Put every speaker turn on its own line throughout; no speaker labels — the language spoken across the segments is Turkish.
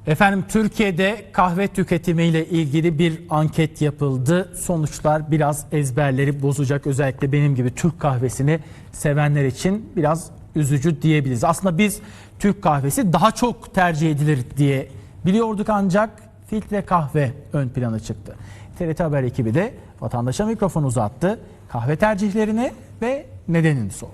Efendim Türkiye'de kahve tüketimiyle ilgili bir anket yapıldı. Sonuçlar biraz ezberleri bozacak, özellikle benim gibi Türk kahvesini sevenler için biraz üzücü diyebiliriz. Aslında biz Türk kahvesi daha çok tercih edilir diye biliyorduk, ancak filtre kahve ön plana çıktı. TRT Haber ekibi de vatandaşa mikrofon uzattı. Kahve tercihlerini ve nedenini sordu.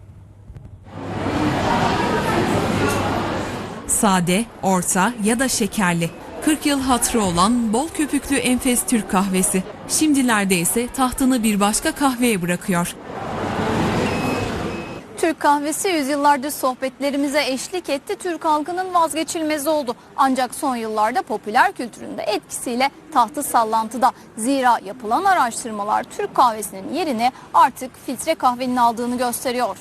Sade, orta ya da şekerli. 40 yıl hatırı olan bol köpüklü enfes Türk kahvesi. Şimdilerde ise tahtını bir başka kahveye bırakıyor.
Türk kahvesi yüzyıllardır sohbetlerimize eşlik etti. Türk halkının vazgeçilmezi oldu. Ancak son yıllarda popüler kültüründe etkisiyle tahtı sallantıda. Zira yapılan araştırmalar Türk kahvesinin yerini artık filtre kahvenin aldığını gösteriyor.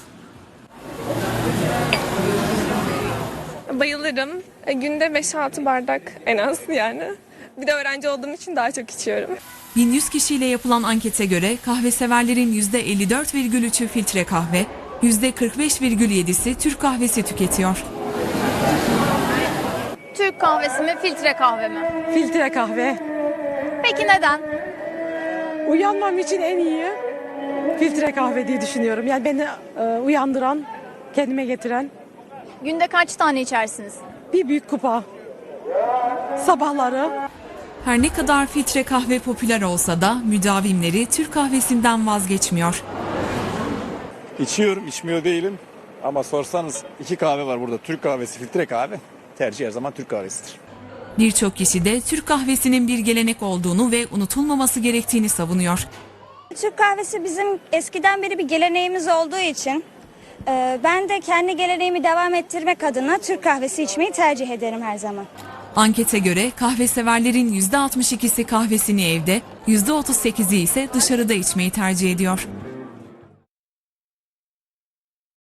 Bayılırım. Günde 5-6 bardak en az yani. Bir de öğrenci olduğum için daha çok içiyorum.
1100 kişiyle yapılan ankete göre kahve severlerin %54,3'ü filtre kahve, %45,7'si Türk kahvesi tüketiyor.
Türk kahvesi mi, filtre kahve mi?
Filtre kahve.
Peki neden?
Uyanmam için en iyi filtre kahve diye düşünüyorum. Yani beni uyandıran, kendime getiren
Günde kaç tane içersiniz?
bir büyük kupa. Sabahları.
Her ne kadar filtre kahve popüler olsa da müdavimleri Türk kahvesinden vazgeçmiyor.
İçiyorum, içmiyor değilim. Ama sorsanız iki kahve var burada. Türk kahvesi, filtre kahve. Tercih her zaman Türk kahvesidir.
Birçok kişi de Türk kahvesinin bir gelenek olduğunu ve unutulmaması gerektiğini savunuyor.
Türk kahvesi bizim eskiden beri bir geleneğimiz olduğu için ben de kendi geleneğimi devam ettirmek adına Türk kahvesi içmeyi tercih ederim her zaman.
Ankete göre kahve severlerin %62'si kahvesini evde, %38'i ise dışarıda içmeyi tercih ediyor.